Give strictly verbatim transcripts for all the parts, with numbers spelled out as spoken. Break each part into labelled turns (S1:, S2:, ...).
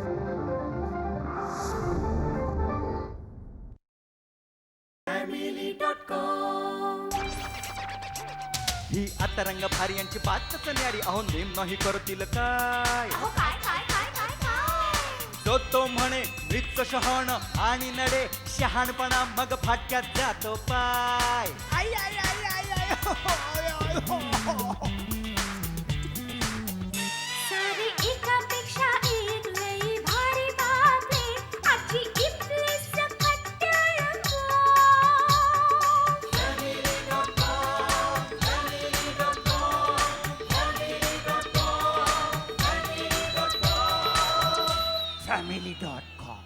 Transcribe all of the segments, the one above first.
S1: ही आता रंग भारी यांची बातच न्यारी अहो नेम नाही करतील काय
S2: अहो काय काय काय काय काय
S1: तो तो म्हणे मृत शहाण आणि नडे शहाणपणा मग फाटक्यात जातो पाय आई, आई, आई, आई, आई, हो, हो, आय, आय, हो, हो, हो.
S2: सारी एकापेक्षा एक लई भारी बातमी आजची इथली सकट रंगो.
S1: Family dot com.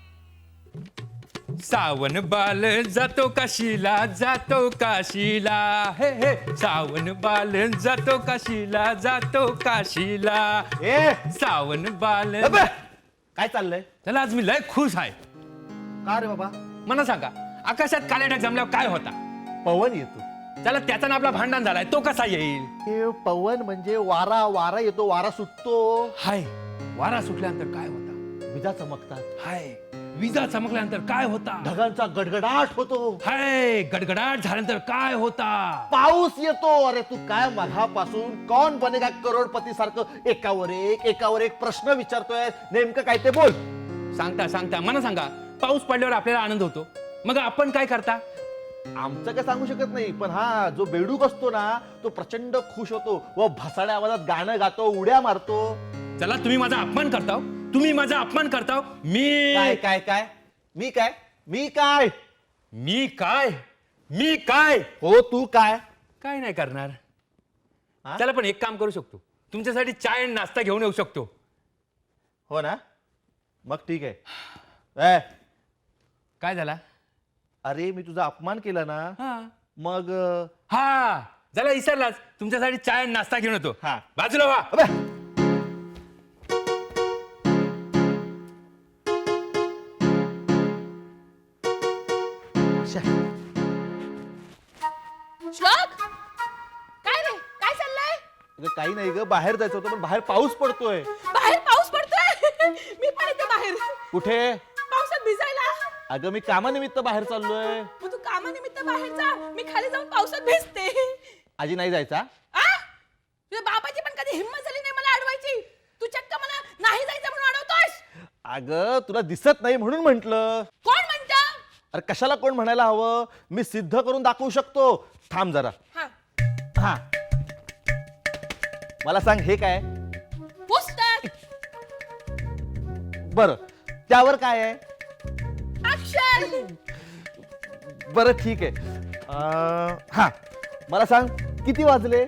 S3: सावन बाल जातो काशीला जातो काशीला हे हे सावन बाल जातो काशीला जातो काशीला
S4: ए
S3: सावन बाल
S4: अबे, काय चाललंय?
S3: त्याला आज मी लय खुश आहे.
S4: का रे बाबा?
S3: मला सांगा आकाशात काळे ढग जमल्यावर काय होता?
S4: पवन येतो.
S3: त्याला त्याचा ना आपला भांडण झालाय तो कसा येईल?
S4: हे पवन म्हणजे वारा वारा येतो, वारा सुटतो,
S3: हाय वारा सुटल्यानंतर काय होता?
S4: विजा चमकतात,
S3: हाय विजा चमकल्यानंतर काय होता?
S4: ढगांचा गडगडाट होतो,
S3: हाय गडगडाट झाल्यानंतर काय होता?
S4: पाऊस येतो. अरे तू काय मघापासून कौन बनेगा करोडपती सारखं एकावर एक एकावर एक प्रश्न विचारतोय, नेमकं काय ते बोल.
S3: सांगता सांगता मला सांगा पाऊस पडल्यावर आपल्याला आनंद होतो, मग आपण काय करता?
S4: आमचं काय सांगू शकत नाही, पण हा जो बेडूक असतो ना तो प्रचंड खुश होतो व भसाड्या आवाजात गाणं गातो, उड्या मारतो.
S3: चला तुम्ही माझा अपमान करताव, तुम्ही माझा अपमान करताव. मी
S4: काय काय काय मी काय मी काय
S3: मी काय मी काय
S4: हो तू काय
S3: काय नाही करणार.
S4: हा?
S3: चला पण एक काम करू शकतो, तुमच्यासाठी चाय आणि नाश्ता घेऊन येऊ शकतो.
S4: हो ना, मग ठीक आहे. ए,
S3: काय झाला?
S4: अरे मी तुझा अपमान केला ना,
S3: हा
S4: मग अं,
S3: हा झाला विसरलाच, तुमच्यासाठी चाय आणि नाश्ता घेऊन येतो.
S4: हा.
S3: बाजूला व्हा.
S4: अबे, शे,
S5: श्लोक काय रे काय चाललंय?
S4: अगं काही नाही ग, बाहेर जायचं होतं पण बाहेर पाऊस पडतोय.
S5: बाहेर पाऊस पडतोय. मी पण इथे बाहेर
S4: कुठे?
S5: पावसात भिजायला.
S4: अगं मी कामानिमित्त बाहेर चाललोय.
S5: मग तू कामानिमित्त बाहेर जा, मी खाली जाऊन पावसात भिजते.
S4: आजी नाही जायचा?
S5: आ तुझ्या बाबाची पण कधी हिंमत झाली नाही मला अडवायची. तू चक्क मला नाही जायचं म्हणून अडवतोस.
S4: अगं तुला दिसत नाही म्हणून म्हंटल.
S5: कोण म्हणतं?
S4: अरे कशाला कोण म्हणायला हवं, मी सिद्ध करून दाखवू शकतो. थांब जरा.
S5: हा
S4: हा मला सांग हे काय?
S5: पुस्तक.
S4: बर त्यावर काय आहे?
S5: अक्षर.
S4: बरं ठीक आहे. अं, हा मला सांग किती वाजले?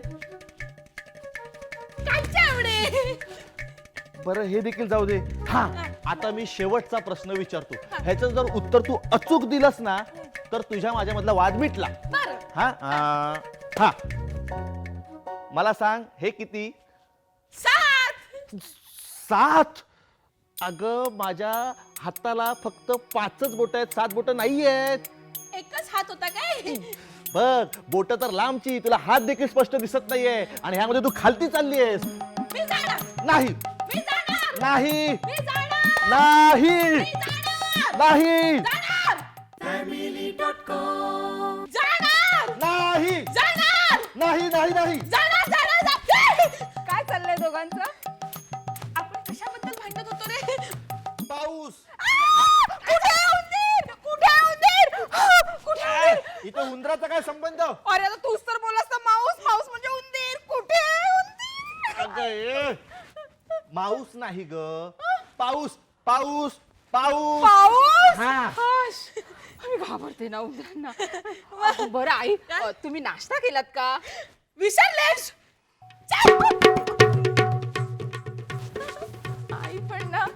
S5: कालच्या एवढे.
S4: बरं हे देखील जाऊ दे. हा आता मी शेवटचा प्रश्न विचारतो, ह्याचं जर उत्तर तू अचूक दिलंस ना तर तुझ्या माझ्यामधला वाद मिटला.
S5: बरं
S4: हा अं, हा मला सांग हे किती?
S5: सात.
S4: सात? अगं माझ्या हाताला फक्त पाचच बोट आहेत, सात बोट नाही आहेत.
S5: एकच हात होता काय?
S4: बघ बोट तर लांबची, तुला हात देखील स्पष्ट दिसत नाहीये आणि ह्यामध्ये तू खालती चालली आहेस.
S5: मी जाणार.
S4: नाही
S5: मी जाणार.
S4: नाही
S5: मी जाणार.
S4: नाही
S5: मी जाणार.
S4: नाही
S5: जाणार.
S1: Family dot com.
S5: जाणार.
S4: नाही
S5: जाणार.
S4: नाही नाही नाही
S5: जाणार जाणार जा- काय चाललंय दोघांचं? आपण कशाबद्दल भांडत होतो रे?
S4: पाऊस.
S5: आ! कुठे आहे उंदीर? कुठे आहे उंदीर? आ! कुठे आहे उंदीर?
S4: इथं उंदराचा काय संबंध?
S5: अरे आता तूच तर बोलास ना, माऊस माऊस म्हणजे उंदीर. कुठे आहे उंदीर?
S4: अगं, ए, माऊस नाही ग, पाऊस पाऊस पाऊस.
S5: पाऊस.
S4: हा.
S5: आश, मी घाबरते ना उंदरांना. बरं आई, अ, तुम्ही नाश्ता केलात का? विसरलेस. आई पण ना.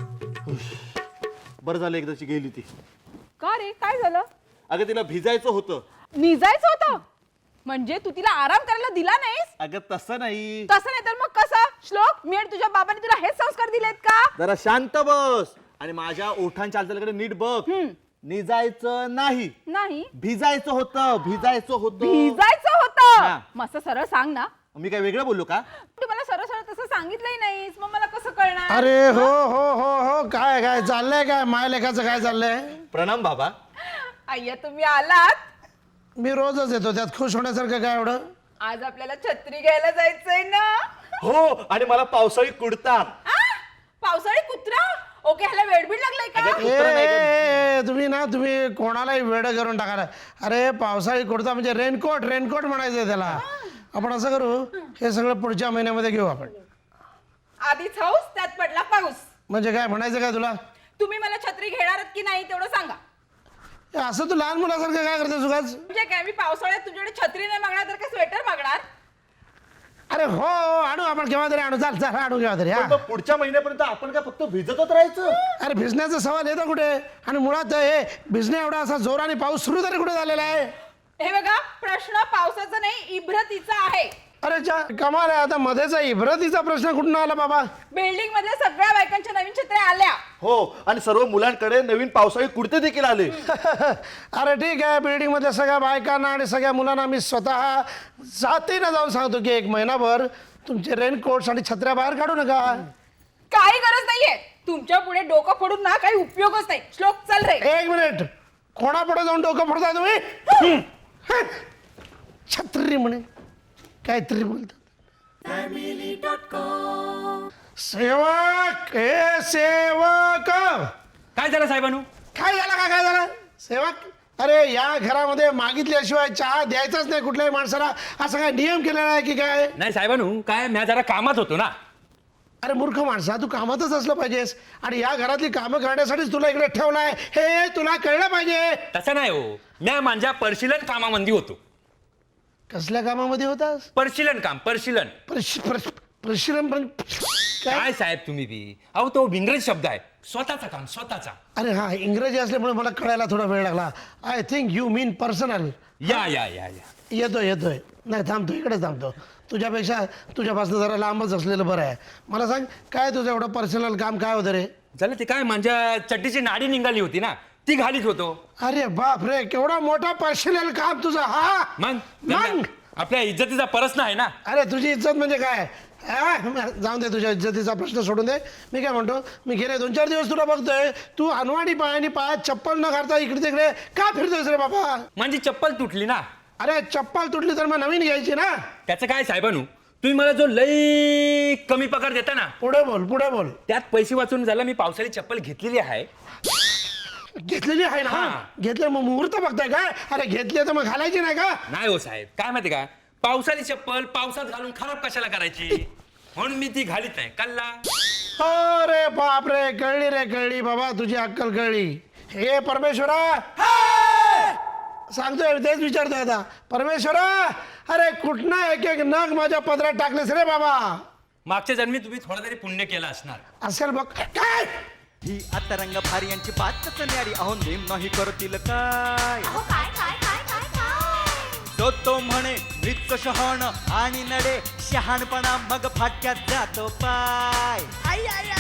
S4: बरं झालं एकदाची गेली ती.
S5: का रे काय झालं?
S4: अगं तिला भिजायचं होतं.
S5: निजायचं होतं म्हणजे तू तिला आराम करायला दिला नाहीस?
S4: अगं तसं नाही.
S5: तसं नाही तर मग कसं? श्लोक, मी आणि तुझ्या बाबांनी तुला हेच संस्कार दिलेत का?
S4: जरा शांत बस आणि माझ्या ओठांच्या हालचालीकडे नीट बघ. निजायचं नाही,
S5: नाही
S4: भिजायचं होतं. भिजायचं होतं.
S5: भिजायचं
S4: हा.
S5: होतं. मस्त सरळ सांग ना.
S4: मी काय वेगळं बोललो का?
S5: तू मला सरळ सरळ तसं सांगितलंही नाहीस, मग मला कसं कळणार?
S4: अरे हो हो हो हो
S6: काय काय चाललंय काय माय लेखाचं काय चाललंय?
S4: प्रणाम बाबा.
S5: अय्या तुम्ही आलात.
S6: मी रोजच येतो, त्यात खुश होण्यासारखं काय एवढं?
S5: आज आपल्याला छत्री घ्यायला जायचंय ना.
S4: हो, आणि मला पावसाळी कुडता.
S5: आ? पावसाळी कुत्रा. ओके, ह्याला वेडबीड लागलाय का?
S4: अगं,
S6: ए,
S4: कुत्रा नाही का?
S6: ए, ए, तुम्ही ना तुम्ही कोणालाही वेड करून टाकाला. अरे पावसाळी कुर्ता म्हणजे रेनकोट रेनकोट म्हणायचंय त्याला. आपण असं करू, हे सगळं पुढच्या महिन्यामध्ये घेऊ आपण.
S5: आधीच हाऊस त्यात पडला पाऊस.
S6: म्हणजे काय म्हणायचं काय तुला?
S5: तुम्ही मला छत्री घेणार आहात की नाही तेवढं सांगा.
S6: ए, असं तू लहान मुलासारखं काय करते सुखाच?
S5: म्हणजे काय, मी पावसाळ्यात तुझ्याकडे छत्री नाही मागणार तर काय स्वेटर मागणार?
S6: अरे हो, आणू आपण केव्हा तरी आणू. चाल चाल आणू केव्हा तरी.
S4: पण
S6: हा
S4: मग पुढच्या महिन्यापर्यंत आपण काय फक्त भिजतच राहायचं?
S6: अरे भिजण्याचा सवाल येतो कुठे? आणि मुळात हे भिजणे एवढा असा जोराने पाऊस सुरू तरी कुठे झालेला आहे?
S5: हे बघा, प्रश्न पावसाचा नाही इब्रतीचा आहे.
S6: अरे चा कमाल आहे. आता मध्येचा इब्रतीचा प्रश्न कुठून आला बाबा?
S5: बिल्डिंग मधल्या सगळ्या बायकांच्या नवीन छत्र्या आल्या.
S4: हो, आणि सर्व मुलांकडे नवीन पावसाळी कुडते देखील आले.
S6: अरे ठीक आहे, बिल्डिंग मधल्या सगळ्या बायकांना आणि सगळ्या मुलांना मी स्वतः जातीनं जाऊन सांगतो की एक महिनाभर तुमचे रेनकोट्स आणि छत्र्या बाहेर काढू नका.
S5: काही गरज नाहीये. तुमच्या पुढे डोकं फोडून ना काही उपयोगच नाही. श्लोक चल रे.
S6: एक मिनिट, कोणापुढे जाऊन डोकं फोडताय तुम्ही? हं. छत्री म्हणे काहीतरी बोलतात. सेवक, हे सेवक.
S3: काय झालं साहेबानू?
S6: काय झालं का काय झालं सेवक? अरे या घरामध्ये मागितल्याशिवाय चहा द्यायचाच नाही कुठल्याही माणसाला, असा काय नियम केलेला आहे की काय?
S3: नाही साहेबानू, काय मी जरा कामात होतो ना.
S6: अरे मूर्ख माणसा, तू कामातच असलं पाहिजेस आणि या घरातली कामं करण्यासाठीच तुला इकडे ठेवलाय हे तुला कळलं पाहिजे.
S3: तसं नाही हो, मी माझ्या परिशीलन कामामध्ये होतो.
S6: कसल्या कामामध्ये होतास?
S3: परिशीलन काम, परिशीलन.
S6: प्रश- प्रश- प्रशिक्षण पण काय?
S3: काय साहेब तुम्ही बी, अहो तो इंग्रजी शब्द आहे. स्वतःचा काम, स्वतःचा.
S6: अरे हा, इंग्रजी असल्यामुळे मला कळायला थोडा वेळ लागला. I think you mean personal.
S3: Yeah yeah yeah या
S6: येतोय येतोय. नाही थांबतो, इकडे थांबतो. तुझ्यापेक्षा तुझ्यापासून जरा लांबच असलेलं बरं आहे. मला सांग, काय तुझं एवढं पर्सनल काम काय होतं रे?
S3: झालं ते काय, माझ्या चड्डीची नाडी निघाली होती ना, ती घालीत होतो.
S6: अरे बाप रे, केवढा मोठा पर्सनल काम तुझं. हा
S3: मग
S6: मग
S3: आपल्या इज्जतीचा प्रश्न आहे ना.
S6: अरे तुझी इज्जत म्हणजे काय? हा, जाऊन दे, तुझ्या इज्जतीचा प्रश्न सोडून दे. मी काय म्हणतो, मी गेले दोन चार दिवस तुला बघतोय, तू अनवाणी पायानी पायात चप्पल न घालता इकडे तिकडे का फिरतोयस रे बाबा?
S3: माझी चप्पल तुटली ना.
S6: अरे चप्पल तुटली तर मग नवीन घ्यायची ना.
S3: त्याचं काय साहेबानू, तुम्ही मला जो लई कमी पगार देता ना,
S6: पुढे बोल पुढे बोल.
S3: त्यात पैसे वाचून झाला मी पावसाळी चप्पल घेतलेली आहे.
S6: घेतलेली आहे ना?
S3: हा.
S6: घेतले मग मुहूर्त बघताय काय? अरे घेतली तर मग घालायची नाही का?
S3: नाही हो साहेब, काय माहिती का, पावसाळी चप्पल पावसात घालून खराब कशाला करायची, म्हणून मी ती घालीत नाही. कल्ला.
S6: अरे बाप रे, कळली रे कळली बाबा, तुझी अक्कल कळली. हे परमेश्वरा, सांगतोय तेच विचारतोय आता. परमेश्वरा, अरे कुठनं एक एक नग माझ्या पदरात टाकलेस रे बाबा.
S3: मागच्या जन्मी तुम्ही थोडा तरी पुण्य केलं असणार.
S6: असेल बघ. काय
S1: ही आता रंग भारी यांची बातच न्यारी, अहो नेम नाही करतील काय.
S2: अहो काय काय काय काय काय
S1: तो तो म्हणे मृत शहाण आणि नडे शहाणपणा मग फाटक्यात जातो पाय. आई आई